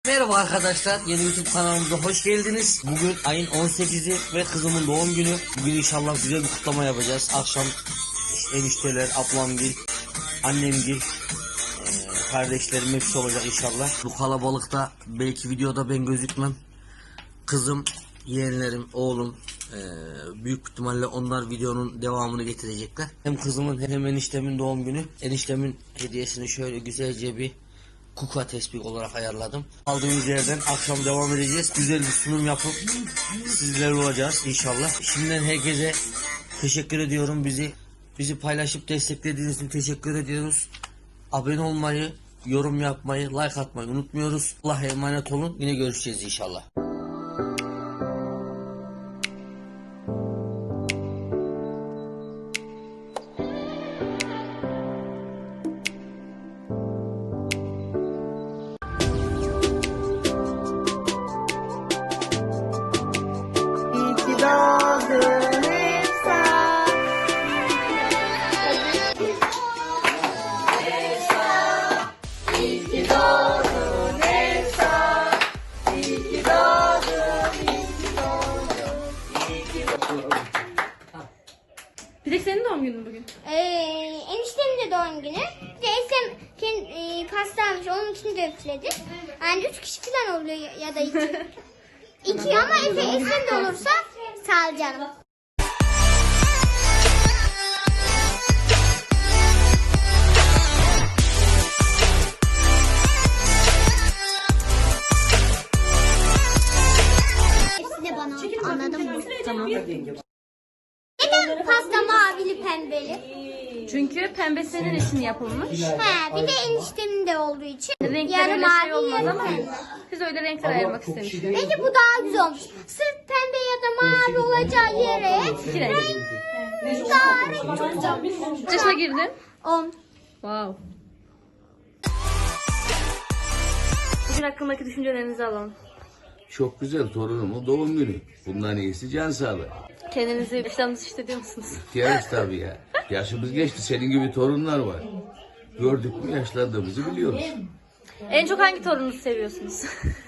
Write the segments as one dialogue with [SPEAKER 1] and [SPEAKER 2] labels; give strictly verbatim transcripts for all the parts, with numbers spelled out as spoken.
[SPEAKER 1] Merhaba arkadaşlar, yeni YouTube kanalımıza hoş geldiniz. Bugün ayın on sekizi ve kızımın doğum günü. Bugün inşallah güzel bir kutlama yapacağız. Akşam enişteler, ablamgil, annemgil, e, kardeşlerim hepsi olacak inşallah. Bu kalabalıkta belki videoda ben gözükmem. Kızım, yeğenlerim, oğlum, e, büyük ihtimalle onlar videonun devamını getirecekler. Hem kızımın hem eniştemin doğum günü. Eniştemin hediyesini şöyle güzelce bir kuka tespih olarak ayarladım. Aldığımız yerden akşam devam edeceğiz. Güzel bir sunum yapıp sizlerle olacağız inşallah. Şimdiden herkese teşekkür ediyorum. Bizi bizi paylaşıp desteklediğiniz için teşekkür ediyoruz. Abone olmayı, yorum yapmayı, like atmayı unutmuyoruz. Allah'a emanet olun. Yine görüşeceğiz inşallah.
[SPEAKER 2] Bir de senin doğum günün bugün.
[SPEAKER 3] Ee, eniştemin de doğum günü. Bir de Esem kendi, e, pasta almış. Onun için de üfledi. Yani üç kişi falan oluyor ya, ya da iki. İki ama Efe Esem de olursa sağ ol canım. Hepsi de bana. Anladın mı?
[SPEAKER 2] Tamam.
[SPEAKER 3] Neden pasta mavili pembeli?
[SPEAKER 2] Çünkü pembe senin için yapılmış.
[SPEAKER 3] He, bir de eniştemin de olduğu için.
[SPEAKER 2] Renkler
[SPEAKER 3] Yarı
[SPEAKER 2] öyle şey
[SPEAKER 3] mavi,
[SPEAKER 2] olmaz
[SPEAKER 3] yarı
[SPEAKER 2] ama
[SPEAKER 3] pembe.
[SPEAKER 2] biz öyle renkler ayırmak istemiştik.
[SPEAKER 3] Bence bu daha güzel olmuş. Sırf pembe ya da mavi olacağı yere
[SPEAKER 2] İki renk.
[SPEAKER 3] daha renk çok güzel.
[SPEAKER 2] Kaç yaşına girdin?
[SPEAKER 3] On.
[SPEAKER 2] Wow. Bugün hakkındaki düşüncelerinizi alalım.
[SPEAKER 4] Çok güzel torunumun doğum günü. Bundan iyisi can sağlığı.
[SPEAKER 2] Kendinizi yaşlandınız hissediyor musunuz?
[SPEAKER 4] İhtiyarız tabii ya. Yaşımız geçti. Senin gibi torunlar var. Gördük mü yaşlandığımızı biliyoruz.
[SPEAKER 2] En çok hangi torununuzu seviyorsunuz?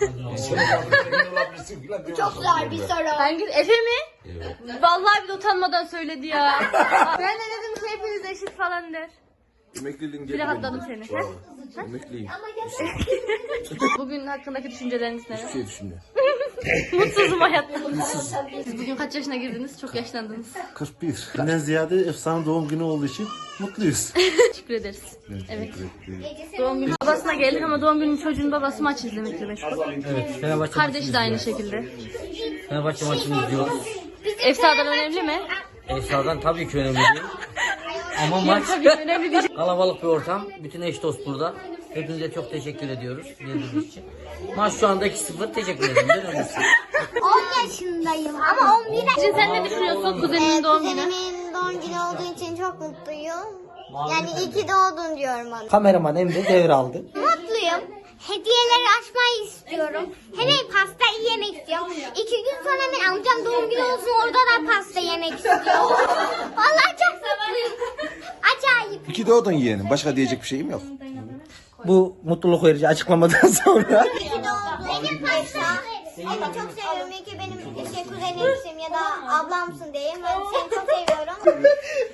[SPEAKER 3] Çok zor bir soru.
[SPEAKER 2] Hangi? Efe mi?
[SPEAKER 4] Evet.
[SPEAKER 2] Vallahi bir de utanmadan söyledi ya. Ben de dedim ki hepiniz eşit falan der.
[SPEAKER 4] Emekliliğin
[SPEAKER 2] Bir rahatladım seni. Ha?
[SPEAKER 4] Emekliyim.
[SPEAKER 2] Bugün hakkındaki düşünceleriniz ne?
[SPEAKER 4] Bir şey düşünüyor.
[SPEAKER 2] Mutsuzum hayatta. Siz bugün kaç yaşına girdiniz? Çok yaşlandınız.
[SPEAKER 5] kırk bir. Benden ziyade efsane doğum günü olduğu için mutluyuz.
[SPEAKER 2] Teşekkür ederiz. Evet. Doğum günü babasına geldik ama doğum günü çocuğun babası maç izlemekle meşgul.
[SPEAKER 1] Evet, Fenerbahçe
[SPEAKER 2] Kardeşi de aynı şekilde.
[SPEAKER 1] Fenerbahçe maçını izliyoruz.
[SPEAKER 2] Efsa'dan önemli mi?
[SPEAKER 1] Esra'dan tabii ki önemli değil. Ama maç
[SPEAKER 2] Tabii ki önemli değil.
[SPEAKER 1] kalabalık bir ortam. Bütün eş dost burada. Hepinize çok teşekkür ediyoruz geldiğiniz için. Maç şu anda iki sıfır. Teşekkür ederim. Ben öyleyse.
[SPEAKER 3] on yaşındayım ama on bir
[SPEAKER 2] Şimdi sen ne düşünüyorsun kuzeninin doğum günü?
[SPEAKER 3] Kuzenimin doğum günü olduğu için çok mutluyum. Yani iyi ki doğdun diyorum ona.
[SPEAKER 1] Kameraman Emre devraldı.
[SPEAKER 3] Mutluyum. Hediyeleri açmayı istiyorum. Hele pasta yemek istiyorum. İki gün sonra ben amcam doğum günü olsun orada da pasta yemek istiyorum. Vallahi çok mutluyum. Acayip.
[SPEAKER 5] İki doğdun yeğenim. Başka diyecek bir şeyim yok.
[SPEAKER 1] Bu mutluluk verici açıklamadan sonra
[SPEAKER 3] İyi ki doğdun. Benim pasta. Seni çok seviyorum. İyi ki benim şey kuzenimsin ya da ablamsın diyeyim. Ben seni çok seviyorum.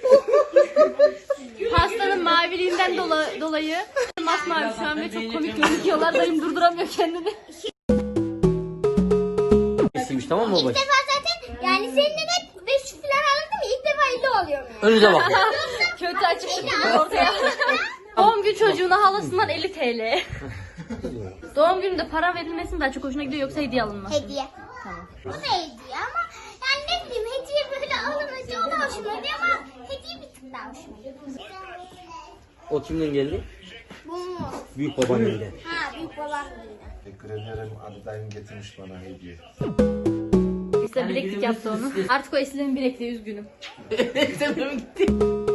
[SPEAKER 2] Pastanın maviliğinden dola- dolayı masmavi şu an ve çok komik gözüküyorlar. Dayım durduramıyor kendini.
[SPEAKER 1] istemiş, tamam mı
[SPEAKER 3] İlk
[SPEAKER 1] babacığım?
[SPEAKER 3] defa zaten yani seninle de beş yüz falan alındı mı? İlk defa elli oluyor.
[SPEAKER 1] Önünüze bakın.
[SPEAKER 2] Kötü açık çıktı ortaya. Doğum günü çocuğuna halasından elli TL. Doğum gününde para verilmesi mi daha çok hoşuna gidiyor yoksa hediye alınması mı?
[SPEAKER 3] Hediye. Tamam. Bu da hediye ama yani ne bileyim hediye böyle alınınca o da hoşuma gidiyor ama hediye bir tık daha hoşuma gidiyor.
[SPEAKER 1] O kimden geldi?
[SPEAKER 3] Bu mu?
[SPEAKER 1] Büyük babaannemden.
[SPEAKER 3] Ha büyük babam
[SPEAKER 5] Teşekkür ederim. Adedayım getirmiş bana hediye.
[SPEAKER 2] İşte bileklik yaptı onu. Artık o Esin'in bilekliği üzgünüm.
[SPEAKER 1] Sen de mi gittin?